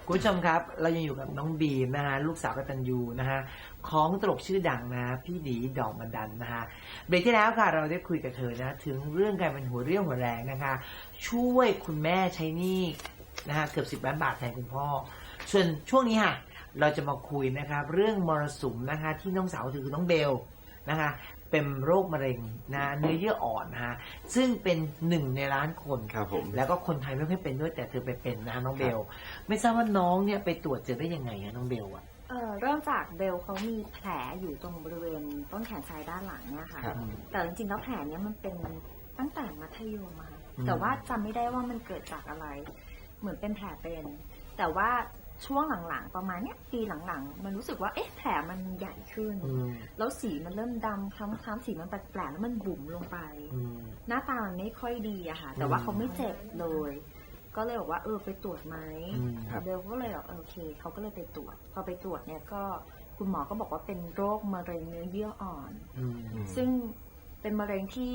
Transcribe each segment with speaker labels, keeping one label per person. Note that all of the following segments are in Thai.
Speaker 1: คุณผู้ชมครับเรายังอยู่กับน้องบีมนะฮะลูกสาวกตัญญูนะฮะของตลกชื่อดังนะพี่ดีดอกมันดันนะฮะเบรกที่แล้วค่ะเราได้คุยกับเธอนะถึงเรื่องการเป็นหัวเรี่ยวหัวแรงนะคะช่วยคุณแม่ใช้หนี้นะฮะเกือบ10 ล้านบาทแทนคุณพ่อส่วนช่วงนี้ค่ะเราจะมาคุยนะครับเรื่องมรสุมนะคะที่น้องสาวคือน้องเบลนะคะเป็นโรคมะเร็งนะเนื้อเยื่ออ่อนนะฮะซึ่งเป็น1 ในล้านคน
Speaker 2: ครับผม
Speaker 1: แล้วก็คนไทยไม่ค่อยเป็นด้วยแต่เธอไปเป็นนะน้องเบลไม่ทราบว่าน้องเนี่ยไปตรวจเจอได้ยังไงอะน้องเบลอะ
Speaker 3: เริ่มจากเบลเขามีแผลอยู่ตรงบริเวณต้นแขนซ้ายด้านหลังเนี่ยค่ะแต่จริงๆแล้วแผลเนี้ยมันเป็นตั้งแต่มัธยมค่ะแต่ว่าจำไม่ได้ว่ามันเกิดจากอะไรเหมือนเป็นแผลเป็นแต่ว่าช่วงหลังๆประมาณเนี้ยปีหลังๆมันรู้สึกว่าแผลมันใหญ่ขึ้นแล้วสีมันเริ่มดำคล้ำๆสีมันแปลกๆแล้วมันบุ๋มลงไปหน้าตามันไม่ค่อยดีอะค่ะแต่ว่าเขาไม่เจ็บเลยก็เลยบอกว่าไปตรวจไหมเบลก็เลยบอกโอเคเขาก็เลยไปตรวจพอไปตรวจเนี่ยก็คุณหมอก็บอกว่าเป็นโรคมะเร็งเนื้อเยื่ออ่อนซึ่งเป็นมะเร็งที่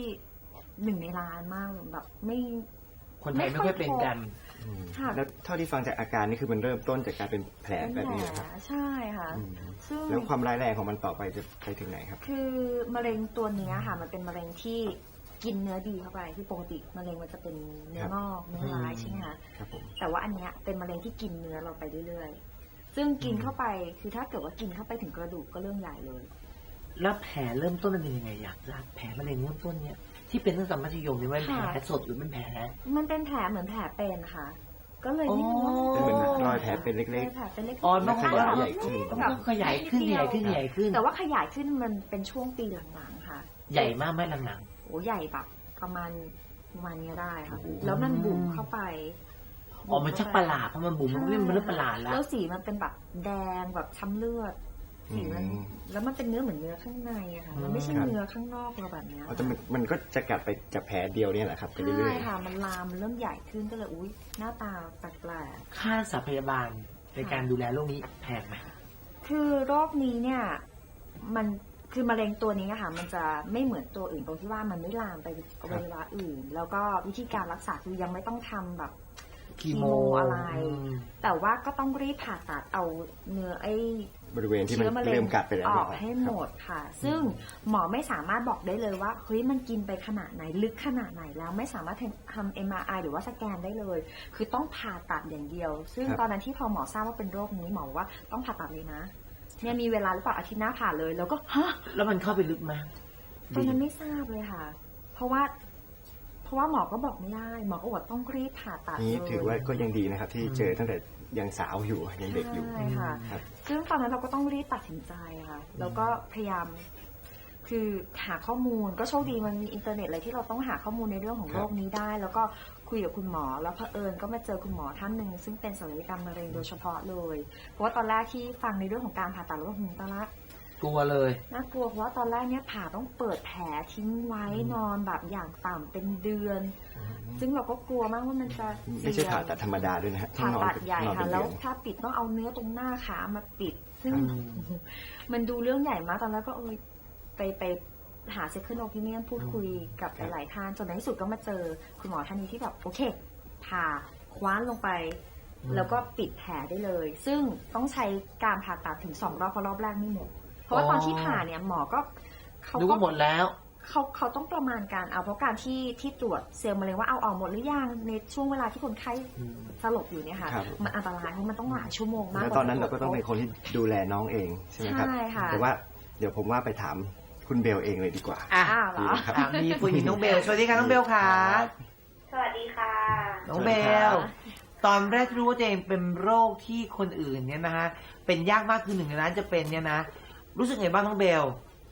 Speaker 3: 1 ในล้านมากเลยแบบ
Speaker 1: คนไทยไม่ค่อยเป็นกัน
Speaker 2: แล้วเท่าที่ฟังจากอาการนี่คือมันเริ่มต้นจากการเป็นแผลแบบนี้ครับ
Speaker 3: ใช่ค่ะซึ่ง
Speaker 2: แล้วความร้ายแรงของมันต่อไปจะไปถึงไหนครับ
Speaker 3: คือมะเร็งตัวนี้ค่ะมันเป็นมะเร็งที่กินเนื้อดีเข้าไปที่ปกติมะเร็งมันจะเป็นเนื้องอกเนื้อร้ายใช่ไหมคะแต่ว่าอันเนี้ยเป็นมะเร็งที่กินเนื้อเราไปเรื่อยๆซึ่งกินเข้าไปคือถ้าเกิดว่ากินเข้าไปถึงกระดูกก็เรื่องใหญ่เลย
Speaker 1: แล้วแผลเริ่มต้นมันเป็นยังไงอยากทราบแผลมะเร็งเริ่มต้นเนี่ยที่เป็นตั้งแต่มัธยมนี่มันแผลสดหรือมันแผล
Speaker 3: มันเป็นแผลเหมือนแผลเป็นค่ะก็เลยไม่รู้ว่า
Speaker 2: เป็นเหมือนรอยแผลเป็นเล็ก
Speaker 3: ๆ
Speaker 1: อ๋อมัน
Speaker 2: ขยายใหญ่ขึ้น
Speaker 1: ขยายขึ้นใหญ่ขึ้น
Speaker 3: แต่ว่าขยายขึ้นมันเป็นช่วงปีหลังๆค่ะ
Speaker 1: ใหญ่มากไหมหลัง
Speaker 3: ๆโอ้ใหญ่แบบประมาณนี้ได้ค่ะแล้วมันบุ๋มเข้าไป
Speaker 1: มันชักประหลาดเพราะมันบุ๋มมันเริ่มประหลาดแล้ว
Speaker 3: สีมันเป็นแบบแดงแบบช้ำเลือดสีมันแล้วมันเป็นเนื้อเหมือนเนื้อข้างในอะค่ะมันไม่ใช่เนื้อข้างนอกเราแบบนี้
Speaker 2: มันก็จะกัดไปจากแผลเดียวเนี่ยแหละครับไปเรื่อยๆ
Speaker 3: ใช่ค่ะมันลามเริ่มใหญ่ขึ้นก็เลยอุ๊ยหน้าตาแปลก
Speaker 1: ๆค่ารักษาพยาบาลในการดูแลโรคนี้แพงไหม
Speaker 3: คือโรคนี้เนี่ยมันคือมะเร็งตัวนี้ค่ะมันจะไม่เหมือนตัวอื่นตรงที่ว่ามันไม่ลามไปอวัยวะอื่นแล้วก็วิธีการรักษาคือยังไม่ต้องทำแบบคีโมอะไรแต่ว่าก็ต้องรีบผ่าตัดเอาเนื้อบ
Speaker 2: ริเวณที่มันเริ่มกัดไปแล้ว
Speaker 3: ออกให้หมดค่ะซึ่งหมอไม่สามารถบอกได้เลยว่าเฮ้ยมันกินไปขนาดไหนลึกขนาดไหนแล้วไม่สามารถทำ MRI หรือว่าสแกนได้เลยคือต้องผ่าตัดอย่างเดียวซึ่งตอนนั้นที่พอหมอทราบว่าเป็นโรคนี้หมอว่าต้องผ่าตัดเลยนะเนี่ยมีเวลาหรือเปล่าอาทิตย์หน้าผ่าเลยแล้วก็ฮะ
Speaker 1: แล้วมันเข้าไปลึกไหม
Speaker 3: ตอนนั้นไม่ทราบเลยค่ะเพราะว่าหมอก็บอกไม่ได้หมอก็บอกต้องรีบผ่าตัด
Speaker 2: นี่ถือว่าก็ยังดีนะครับที่เจอตั้งแต่ยังสาวอยู่ยังเด็กอยู่
Speaker 3: ใช่ค่ะซึ่งตอนนั้นเราก็ต้องรีบตัดสินใจค่ะแล้วก็พยายามคือหาข้อมูลก็โชคดีมันมีอินเทอร์เน็ตอะไรที่เราต้องหาข้อมูลในเรื่องของโรคนี้ได้แล้วก็คุยกับคุณหมอแล้วเผอิญก็มาเจอคุณหมอท่านหนึ่งซึ่งเป็นศัลยกรรมมะเร็งโดยเฉพาะเลยเพราะว่าตอนแรกที่ฟังในเรื่องของการผ่าตัดแล้วตอนแรก
Speaker 1: กลัวเลย
Speaker 3: น่ากลัวเพราะว่าตอนแรกเนี่ยผ่าต้องเปิดแผลทิ้งไว้นอนแบบอย่างต่ำเป็นเดือนซึ่งเราก็กลัวมากว่ามันจะ
Speaker 2: ไม่ใช่ผ่าตัดธรรมดาด้วยนะ
Speaker 3: ผ่าตัดใหญ่ค่ะแล้วถ้าปิดต้องเอาเนื้อตรงหน้าขามาปิดซึ่งมันดูเรื่องใหญ่มากตอนแรกก็ไปหาเซคันด์โอพิเนียนพูดคุยกับหลายๆท่านจนในที่สุดก็มาเจอคุณหมอท่านนี้ที่แบบโอเคผ่าคว้านลงไปแล้วก็ปิดแผลได้เลยซึ่งต้องใช้การผ่าตัดถึง2 รอบเพราะรอบแรกไม่หมดเพราะว่าตอนที่ผ่าเนี่ยหมอก็
Speaker 1: เขาก็หมดแล้ว
Speaker 3: เขาต้องประมาณการเอาเพราะการที่ตรวจเซลล์มะเร็งว่าเอาออกหมดหรือยังในช่วงเวลาที่คนไข้สลบอยู่เนี่ยค่ะมันอันตรายเพราะมันต้องหลายชั่วโมงมาก
Speaker 2: แล้วตอนนั้นเราก็ต้องเป็นคนที่ดูแลน้องเองใช่ไหมครับ
Speaker 3: ใช่ค่ะ
Speaker 2: แต่ว่าเดี๋ยวผมว่าไปถามคุณเบลเองเลยดีกว่า
Speaker 3: เหรอ
Speaker 1: มีผู้หญิงน้องเบลสวัสดีค่ะน้องเบลค่ะ
Speaker 4: สวัสดีค่ะ
Speaker 1: น้องเบลตอนแรกรู้ว่าตัวเองเป็นโรคที่คนอื่นเนี่ยนะฮะเป็นยากมากคือ1 ในล้านจะเป็นเนี่ยนะรู้สึกไงบ้างน้องเบล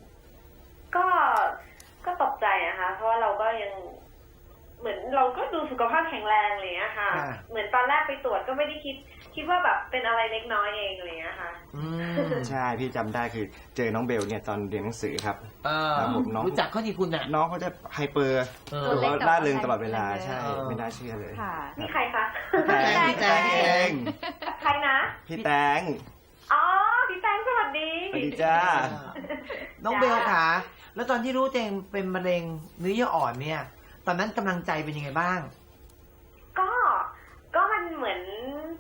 Speaker 4: ก็ตกใจนะคะเพราะว่าเราก็ยังเหมือนเราก็ดูสุขภาพแข็งแรงอะไรอย่างเงี้ยค่ะเหมือนตอนแรกไปตรวจก็ไม่ได้คิดว่าแบบเป็นอะไรเล็กน้อยเองอะไรอย่างเงี้ยค่ะ
Speaker 2: ใช่พี่จำได้คือเจอน้องเบลเนี่ยตอนเรียนหนังสือครับ
Speaker 1: รู้จักเขาที่คุณน่ะ
Speaker 2: น้องเขาจะไฮเปอร์หรือว่าร่าเริงตลอดเวลาใช่ไม่น่าเชื่อเลย
Speaker 4: นี่ใครคะ
Speaker 2: พี่แตง
Speaker 4: ใครนะ
Speaker 2: พี่แตง
Speaker 4: อ๋อพี่แตงสวัสดี
Speaker 2: สวัสดีจ้า
Speaker 1: น้องเบลค่ะแล้วตอนที่รู้ตัวเองเป็นมะเร็งเนื้อเยื่ออ่อนเนี่ยตอนนั้นกำลังใจเป็นยังไงบ้าง
Speaker 4: ก็มันเหมือนค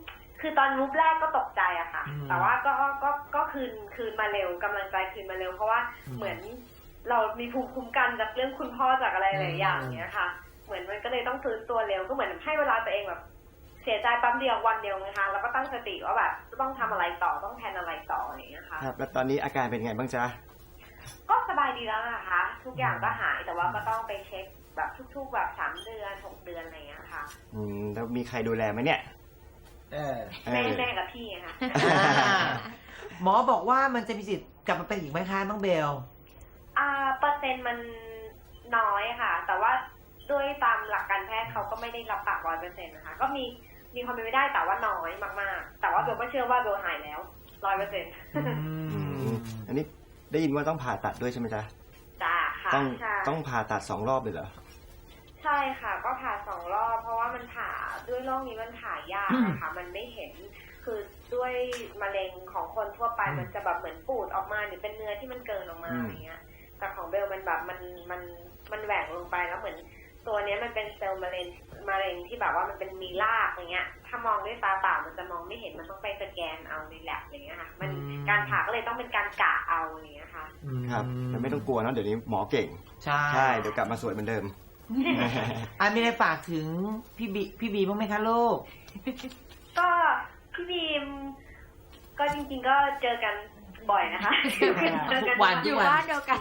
Speaker 4: คือตอนมูฟแรกก็ตกใจอะค่ะ แต่ว่าก็คืนมาเร็วกำลังใจคืนมาเร็วเพราะว่าเหมือนเรามีภูมิคุ้มกันจากเรื่องคุณพ่อจากอะไรหลายอย่างเนี้ยค่ะเหมือนมันก็เลยต้องฟื้นตัวเร็วก็เหมือนให้เวลาตัวเองแบบเสียใจแป๊บเดียววันเดียวนะคะแล้วก็ตั้งสติว่าแบบต้องทำอะไรต่อต้องแทนอะไรต่ออย่างเงี้ยค่ะ
Speaker 2: ครับแล้วตอนนี้อาการเป็นไงบ้างจ๊ะ
Speaker 4: ก็สบายดีแล้วนะคะทุกอย่างก็หายแต่ว่าก็ต้องไปเช็คแบบทุกๆแบบ3 เดือน6 เดือนอะไรอย่างเงี้ยค่ะ
Speaker 2: แล้วมีใครดูแลไหมเนี่ย
Speaker 4: แม่กับพี่ค่ะ
Speaker 1: หมอบอกว่ามันจะมีสิทธิ์กลับมาเป็นอีกไหมคะน้องเบล
Speaker 4: เปอร์เซ็นต์มันน้อยค่ะแต่ว่าด้วยตามหลักการแพทย์เขาก็ไม่ได้รับปาก100%นะคะก็มีความเป็นไปได้แต่ว่าน้อยมากๆแต่ว่าเบลก็เชื่อว่าเบลหายแล้ว100%
Speaker 2: อันนี้ได้ยินว่าต้องผ่าตัดด้วยใช่ไหมจ๊ะ
Speaker 4: จ้าค่ะ
Speaker 2: ต้องผ่าตัด2 รอบเลยเหรอ
Speaker 4: ใช่ค่ะก็ผ่า2 รอบเพราะว่ามันผ่าด้วยโรคนี้มันผ่ายากนะคะมันไม่เห็นคือด้วยมะเร็งของคนทั่วไปมันจะแบบเหมือนปูดออกมาหรือเป็นเนื้อที่มันเกินออกมาอย่างเงี้ยแต่ของเบลมันแบบมันแหว่งลงไปแล้วเหมือนตัวนี้มันเป็นเซลล์มะเร็งที่แบบว่ามันเป็นมีรากอย่างเงี้ยถ้ามองด้วยตาเปล่ามันจะมองไม่เห็นมันต้องไปสแกนเอาในแลบอย่างเงี้ยค่ะมันการผ่าก็เลยต้องเป็นการกะเอาอย่างเงี้ยค่ะ
Speaker 2: ครับแต่ไม่ต้องกลัวนะเดี๋ยวนี้หมอเก่งใช่เดี๋ยวกลับมาสวยเหมือนเดิม
Speaker 1: มีอะไรฝากถึงพี่บีบ้างไหมคะลูก
Speaker 4: ก็พี่บีมก็จริงๆก็เจอกันบ่อยนะคะ
Speaker 1: วัน
Speaker 3: อยู่บ้านเดียวกัน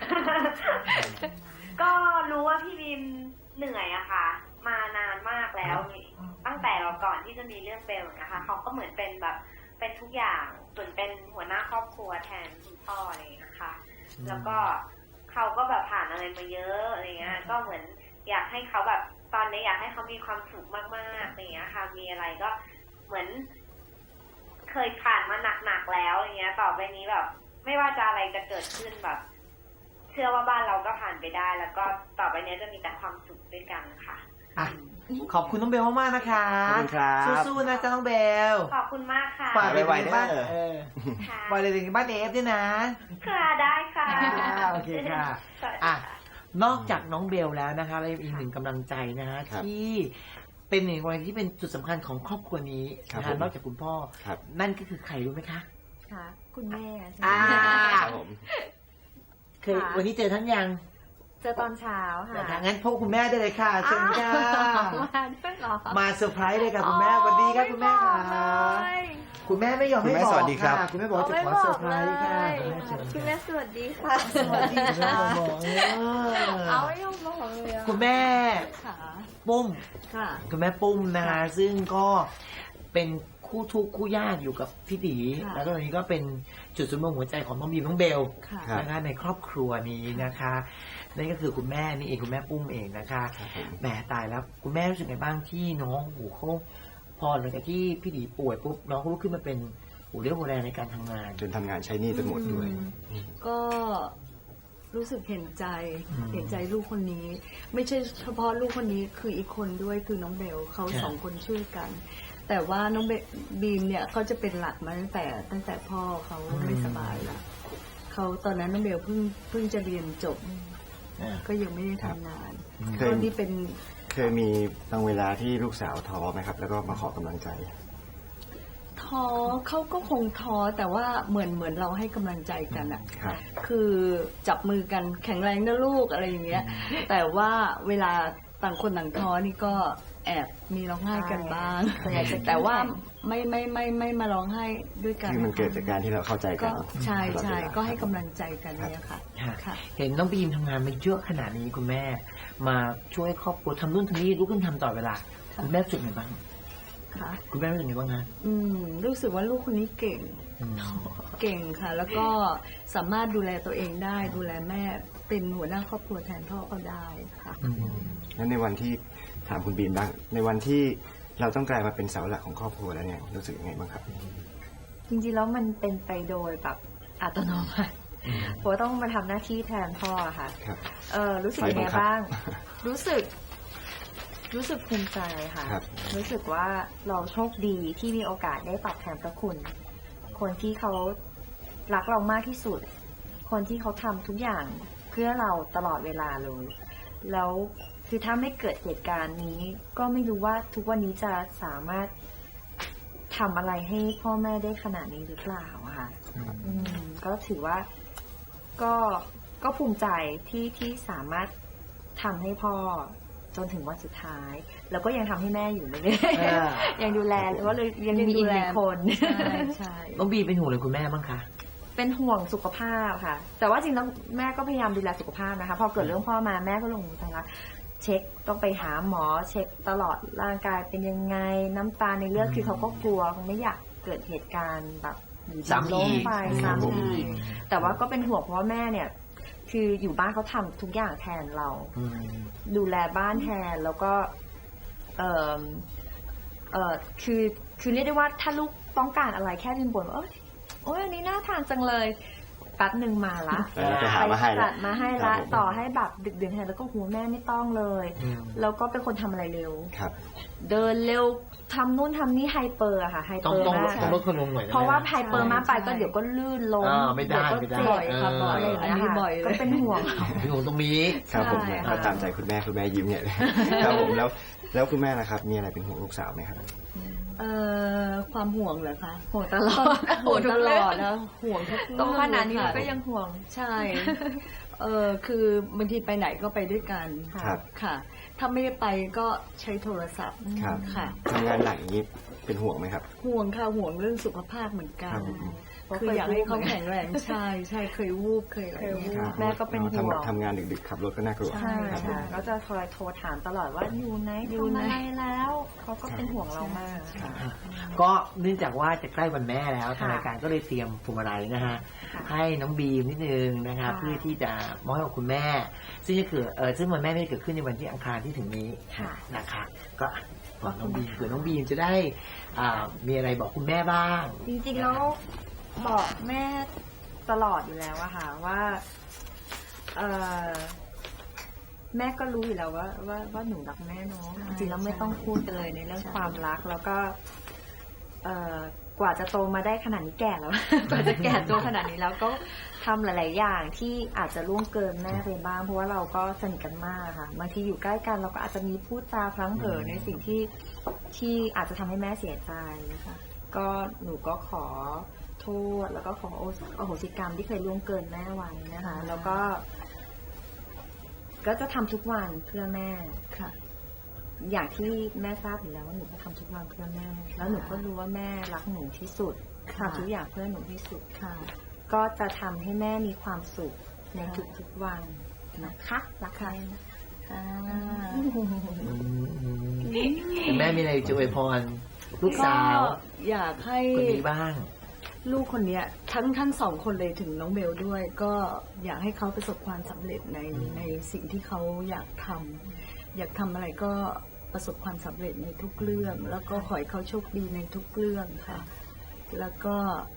Speaker 4: ก็รู้ว่าพี่บีมเหนื่อยอะค่ะมานานมากแล้วตั้งแต่เราก่อนที่จะมีเรื่องเบลนะคะเขาก็เหมือนเป็นแบบเป็นทุกอย่างเหมือนเป็นหัวหน้าครอบครัวแทนคุณพ่ออะไรอย่างเงี้ยค่ะแล้วก็เขาก็แบบผ่านอะไรมาเยอะอะไรเงี้ยก็เหมือนอยากให้เขาแบบตอนนี้อยากให้เขามีความสุขมากๆอะไรเงี้ยค่ะมีอะไรก็เหมือนเคยผ่านมาหนักๆแล้วอย่างเงี้ยต่อไปนี้แบบไม่ว่าจะอะไรจะเกิดขึ้นแบบเชื่อว่าบ้านเราก็ผ่านไปได้แล้วก็ต่อไปนี้จะมีแต่ความสุขด้วยกันค่ะ
Speaker 1: ขอบคุณน้องเบลมากๆนะคะ
Speaker 2: ขอบคุณครับ
Speaker 1: สู้ๆนะจ๊ะน้องเบล
Speaker 4: ขอบคุณมากค่ะ
Speaker 1: ฝากไปบ้านฝากไปถึงบ้านเอฟด้วยนะ
Speaker 4: ค่ะได้ค่ะ
Speaker 1: โอเคค่ะนอกจากน้องเบลแล้วนะคะเราอีกหนึ่งกำลังใจนะฮะที่เป็นหนึ่งวันที่เป็นจุดสำคัญของครอบครัวนี้นะคะนอกจากคุณพ่อนั่นก็คือใครรู้ไหมคะ
Speaker 3: ค่ะคุณแม่
Speaker 2: ครับผม
Speaker 1: เคยวันนี้เจอท่านยัง
Speaker 3: เจอตอนเช้าค่ะ
Speaker 1: งั้นพบคุณแม่ได้เลยค่ะเชิญค่ะมาเซอร์ไพรส์เลยค่ะคุณแม่สวัสดีค่ะคุณแม่ค่ะคุณแม่ไม่ยอมให้บอกค่ะคุณแม่บอกจะขอเซอร์ไพรส์ค่ะ
Speaker 3: คุณแม่สวัสดีค่ะ
Speaker 1: สวัสดีค่ะ
Speaker 3: เอาไม่ยอมบอกเลย
Speaker 1: คุณแม่ปุ้มคุณแม่ปุ้มนะคะซึ่งก็เป็นคู่ทุกข์คู่ยากอยู่กับพี่ตีแล้วตอนนี้ก็เป็นจุดศูนย์รวมหัวใจของน้องบีมน้องเบลนะคะในครอบครัวนี้นะคะนั่นก็คือคุณแม่นี่เองคุณแม่ปุ้มเองนะคะแหมตายแล้วคุณแม่รู้สึกไงบ้างที่น้องเขาพอหลังจากที่พี่ตีป่วยปุ๊บน้องเขาลุกขึ้นมาเป็นเรี่ยวหัวแรงในการทำงาน
Speaker 2: จนทำงานใช้หนี้จนหมดด้วย
Speaker 3: ก็รู้สึกเห็นใจลูกคนนี้ไม่ใช่เฉพาะลูกคนนี้คืออีกคนด้วยคือน้องเบลเขา2 คนช่วยกันแต่ว่าน้องบีมเนี่ยเขาจะเป็นหลักมาตั้งแต่พ่อเขาไม่สบายละเขาตอนนั้นน้องเบลเพิ่งจะเรียนจบก็ยังไม่ได้ทำงานตอนที่เป็น
Speaker 2: เคยมีบางเวลาที่ลูกสาวท้อไหมครับแล้วก็มาขอกำลังใจ
Speaker 3: ท้อเขาก็คงท้อแต่ว่าเหมือนเราให้กำลังใจกันอ่ะคือจับมือกันแข็งแรงนะลูกอะไรอย่างเงี้ยแต่ว่าเวลาต่างคนต่างท้อนี่ก็แอบมีร้องไห้กันบ้างแต่ว่าไม่มาร้องไห้ด้วยกัน
Speaker 2: คือมันเกิดจากการที่เราเข้าใจกัน
Speaker 3: ใช่ก็ให้กำลังใจกันเนี่ยค่ะ
Speaker 1: เห็นน้องบีมทำงานมาเยอะขนาดนี้คุณแม่มาช่วยครอบครัวทำนู่นทำนี่ลุกขึ้นทำต่อเวลาคุณแม่รู้สึกไงบ้างคุณแม่รู้สึกไงบ้างคะ
Speaker 3: รู้สึกว่าลูกคนนี้เก่งค่ะแล้วก็สามารถดูแลตัวเองได้ดูแลแม่เป็นหัวหน้าครอบครัวแทนพ่อก็ได้ค่ะ
Speaker 2: แล้วในวันที่ถามคุณบีมบ้างในวันที่เราต้องกลายมาเป็นเสาหลักของครอบครัวแล้วเนี่ยรู้สึกยังไงบ้างครับ
Speaker 3: จริงๆแล้วมันเป็นไปโดยแบบอัตโนมัติเพราะต้องมาทำหน้าที่แทนพ่อค่ะรู้สึกยังไงบ้างรู้สึกภูมิใจค่ะรู้สึกว่าเราโชคดีที่มีโอกาสได้ตอบแทนพระคุณคนที่เขารักเรามากที่สุดคนที่เขาทำทุกอย่างเพื่อเราตลอดเวลาเลยแล้วคือถ้าไม่เกิดเหตุการณ์นี้ก็ไม่รู้ว่าทุกวันนี้จะสามารถทำอะไรให้พ่อแม่ได้ขนาดนี้หรือเปล่าอะค่ะก็ถือว่าก็ภูมิใจที่สามารถทำให้พ่อจนถึงวันสุดท้ายแล้วก็ยังทำให้แม่อยู่เรื่อยๆยังดูแลหรือว่ายังมีอีกหนึ่งคนใช่
Speaker 1: น้องบีเป็นห่วงเลยคุณแม่บ้างคะ
Speaker 3: เป็นห่วงสุขภาพค่ะแต่ว่าจริงแล้วแม่ก็พยายามดูแลสุขภาพนะคะพอเกิดเรื่องพ่อมาแม่ก็ลงมือทำละเช็คต้องไปหาหมอเช็คตลอดร่างกายเป็นยังไงน้ำตาลในเลือดคือเขาก็กลัวคงไม่อยากเกิดเหตุการณ์แบบซ้ำอีกแต่ว่าก็เป็นห่วงเพราะว่าแม่เนี่ยคืออยู่บ้านเขาทำทุกอย่างแทนเราดูแลบ้านแทนแล้วก็คือเรียกได้ว่าถ้าลูกต้องการอะไรแค่ริมบ่นว่าโอ้ยอันนี้น่าทานจังเลยแป๊บหนึ่งมาละ
Speaker 2: ไปหามาให้
Speaker 3: จัดมาให้ละต่อให้แบบดึกดื่นแทนแล้วก็หูแม่ไม่ต้องเลยแล้วก็เป็นคนทำอะไรเร็วเดินเร็วทำนู่นทำนี่ไฮเปอร์อะค่ะไฮเปอร์มาก
Speaker 1: ต้องลดคนลงหน่อยเพ
Speaker 3: ราะว่าไฮเปอร์มากไปก็เดี๋ยวก็ลื่นล้ม
Speaker 1: ไม่ได้
Speaker 3: เดี๋ยวก็เจ็บ
Speaker 1: ค่ะบ่อย
Speaker 3: อันนี้บ่อยก็เป็นห่วง
Speaker 1: เป็นห่วงตรงนี้
Speaker 2: ครับผมเนี่ยเขาตามใจคุณแม่ยิ้มเนี่ยครับผมแล้วคุณแม่นะครับมีอะไรเป็นห่วงลูกสาวไหมครับ
Speaker 5: ความห่วงเหรอคะ
Speaker 3: ห่วงตลอด
Speaker 5: ห่วงตลอดแล้วห่วงทุกเรื่อง
Speaker 3: ตรงขนาดนี้ก็ยังห่วง
Speaker 5: ใช่คือบางทีไปไหนก็ไปด้วยกันค่ะถ้าไม่ได้ไปก็ใช้โทรศัพท์ค่ะ
Speaker 2: ทำงานหนักอย่างนี้เป็นห่วงไหมครับ
Speaker 5: ห่วงค่ะห่วงเรื่องสุขภาพเหมือนกันคืออยากให้เขาแข็งแรงใช่เคยวูบเคยอะไร
Speaker 3: แม่ก็เป็นห่วง
Speaker 2: ทำงานดึกๆขับรถก็น่ากลัว
Speaker 3: ใช่ก็จะคอยโทรถามตลอดว่าอยู่ไหนทำอะไรแล้วเขาก็เป็นห่วงเรามาก
Speaker 1: ก็เนื่องจากว่าจะใกล้วันแม่แล้วทางรายการก็เลยเตรียมพวงมาลัยนะฮะให้น้องบีมนิดนึงนะคะเพื่อที่จะมอบให้กับคุณแม่ซึ่งจะเกิดซึ่งวันแม่ไม่ได้เกิดขึ้นในวันที่อังคารที่ถึงนี้นะคะก็น้องบีมเผื่อน้องบีมจะได้มีอะไรบอกคุณแม่บ้าง
Speaker 3: จริงๆแล้วบอกแม่ตลอดอยู่แล้วอะค่ะว่าแม่ก็รู้อยู่แล้วว่าหนูรักแม่เนาะจริงๆแล้วไม่ต้องพูดกันเลยในเรื่องความรักแล้วก็กว่าจะโตมาได้ขนาดนี้แก่แล้ว กว่าจะแก่ตัวขนาดนี้แล้วก็ทำหลายๆอย่างที่อาจจะล่วงเกินแม่ไปบ้างเพราะว่าเราก็สนิทกันมากค่ะบางทีอยู่ใกล้กันเราก็อาจจะมีพูดจาพลั้งเผลอในสิ่งที่อาจจะทำให้แม่เสียใจค่ะก็หนูก็ขอโทษแล้วก็ขออโหสิกรรมที่เคยล่วงเกินแม่ไว้นะคะแล้วก็จะทำทุกวันเพื่อแม่ค่ะอย่างที่แม่ทราบอยู่แล้วว่าหนูก็ทำทุกวันเพื่อแม่แล้วหนูก็รู้ว่าแม่รักหนูที่สุดทำทุกอย่างเพื่อหนูที่สุดค่ะก็จะทำให้แม่มีความสุขในทุกๆวันนะคะรักแม่
Speaker 1: แม่มีอะไรจะอวยพรลูกสาว
Speaker 5: อยากให้
Speaker 1: คนนี้บ้าง
Speaker 5: ลูกคนนี้ทั้งสองคนเลยถึงน้องเบลด้วยก็อยากให้เขาประสบความสำเร็จในสิ่งที่เขาอยากทำอะไรก็ประสบความสำเร็จในทุกเรื่องแล้วก็ขอให้เขาโชคดีในทุกเรื่องค่ะแล้วก็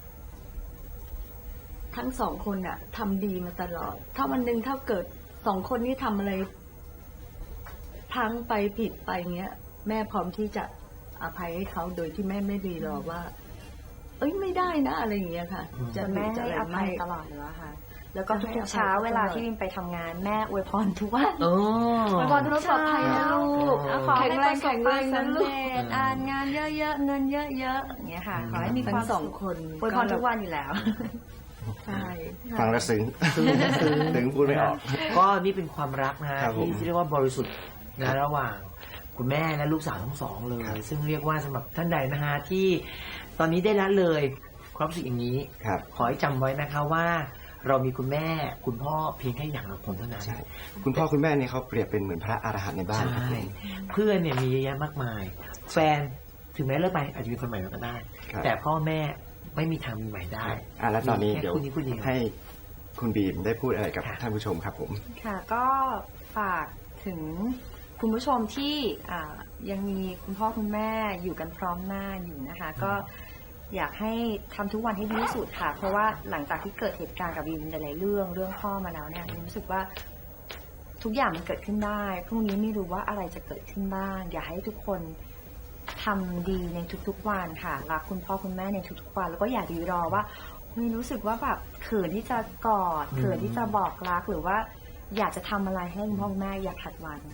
Speaker 5: ทั้งสองคนน่ะทำดีมาตลอดถ้าวันหนึ่งถ้าเกิดสองคนนี้ทำอะไรพลั้งไปผิดไปเงี้ยแม่พร้อมที่จะอภัยให้เขาโดยที่แม่ไม่รีรอว่าไม่ได้นะอะไรอย่างเงี้ยค่ะ
Speaker 3: จะแม่ให้อภัยตลอดเลยค่ะแล้วก็ทุกเช้าเวลาที่วินไปทำงานแม่อวยพรทุกวันอวยพรทุกเช้านะลูกขอให้ประสบความสำเร็จงานเยอะๆเงินเยอะๆอย่างเงี้ยค่ะขอให้มีความ
Speaker 5: สองคน
Speaker 3: อวยพรทุกวันอยู่แล้ว
Speaker 5: ใช่
Speaker 2: ฟังแล้วซึ้งพูดไม่ออก
Speaker 1: ก็นี่เป็นความรักนะที่เรียกว่าบริสุทธิ์นะระหว่างคุณแม่และลูกสาวทั้งสองเลยซึ่งเรียกว่าสำหรับท่านใดนะฮะที่ตอนนี้ได้ละเลยความรู้สึกอย่างนี้ขอให้จำไว้นะคะว่าเรามีคุณแม่คุณพ่อเพียงแค่อย่างละคนเท่านั้น
Speaker 2: คุณพ่อคุณแม่เนี่ยเขาเปรียบเป็นเหมือนพระอรหันต์ในบ้านครับ
Speaker 1: เพื่อนเนี่ยมีเยอะแยะมากมายแฟนถึงแม้เลิกไปอาจจะมีคนใหม่มาก็ได้แต่พ่อแม่ไม่มีทางมีใหม่ได้
Speaker 2: แล้วตอนนี้เดี๋ยวให้คุณบีมได้พูดอะไรกับท่านผู้ชมครับผม
Speaker 3: ค่ะก็ฝากถึงคุณผู้ชมที่ยังมีคุณพ่อคุณแม่อยู่กันพร้อมหน้าอยู่นะคะก็อยากให้ทำทุกวันให้ดีที่สุดค่ะเพราะว่าหลังจากที่เกิดเหตุการณ์กับวินหลายๆเรื่องพ่อมาแล้วเนี่ยรู้สึกว่าทุกอย่างมันเกิดขึ้นได้พรุ่งนี้ไม่รู้ว่าอะไรจะเกิดขึ้นบ้างอยากให้ทุกคนทำดีในทุกๆวันค่ะรักคุณพ่อคุณแม่ในทุกๆวันแล้วก็อย่าดีรอว่าไม่รู้สึกว่าแบบเขินที่จะกอดเขินที่จะบอกรักหรือว่าอยากจะทำอะไรให้คุณพ่อคุณแม่อยากถัดวัน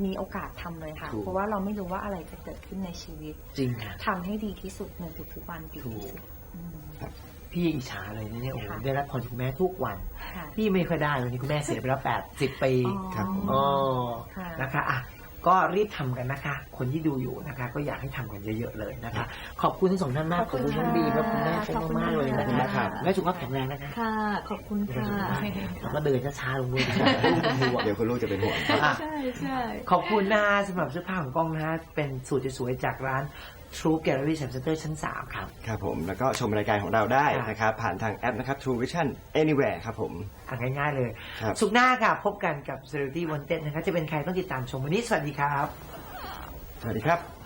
Speaker 3: มีโอกาสทำเลยค่ะ
Speaker 1: ถูก
Speaker 3: เพราะว่าเราไม่รู้ว่าอะไรจะเกิดขึ้นในชีวิต
Speaker 1: จริงค่ะ
Speaker 3: ทำให้ดีที่สุดในทุกๆวันดีที่สุดอืม
Speaker 1: พี่อิจฉาเลยนะเนี่ยโอ้โห
Speaker 3: ค่ะ
Speaker 1: ได้รับพรจากคุณแม่ทุกวัน
Speaker 3: ค่ะ
Speaker 1: พี่ไม่ค่อยได้วันนี้คุณแม่เสียไปแล้ว80 ปี
Speaker 2: ครับ
Speaker 1: อ๋อ
Speaker 3: ค่ะ
Speaker 1: นะคะอ่ะก็รีบทำกันนะคะ คนที่ดูอยู่นะคะ ก็อยากให้ทำกันเยอะๆเลยนะคะ ขอบคุณทั้งสองท่านมาก ขอบคุณน้องบีและคุณแม่เป็นมากๆเลยนะ
Speaker 2: ขอบคุณ
Speaker 1: คะ
Speaker 2: มากครับ
Speaker 1: แม่สุขภาพแข็งแรงนะคะ
Speaker 5: ค่ะ ขอบคุณค่ะ
Speaker 1: แล้วก็เดินช้าๆลงด้วยนะคะเป็นห่วง
Speaker 2: เดี๋ยวคุณลูกจะเป็นห่วงครับ
Speaker 1: อ่ะ
Speaker 5: ใช่ใช่
Speaker 1: ขอบคุณนะคะสำหรับเสื้อผ้าของกล้องนะคะเป็นสูตรสวยๆจากร้าน True Gallery Center ชั้น 3 ครับ
Speaker 2: ครับผมแล้วก็ชมรายการของเราได้
Speaker 1: ครับ
Speaker 2: นะครับผ่านทางแอปนะครับ True Vision Anywhere ครับผม
Speaker 1: ง่ายๆเลย
Speaker 2: ครับ
Speaker 1: สุขหน้าค่ะพบกันกับ Celebrity Wanted นะคะจะเป็นใครต้องติดตามชมวันนี้สวัสดีครับ
Speaker 2: สวัสดีครับ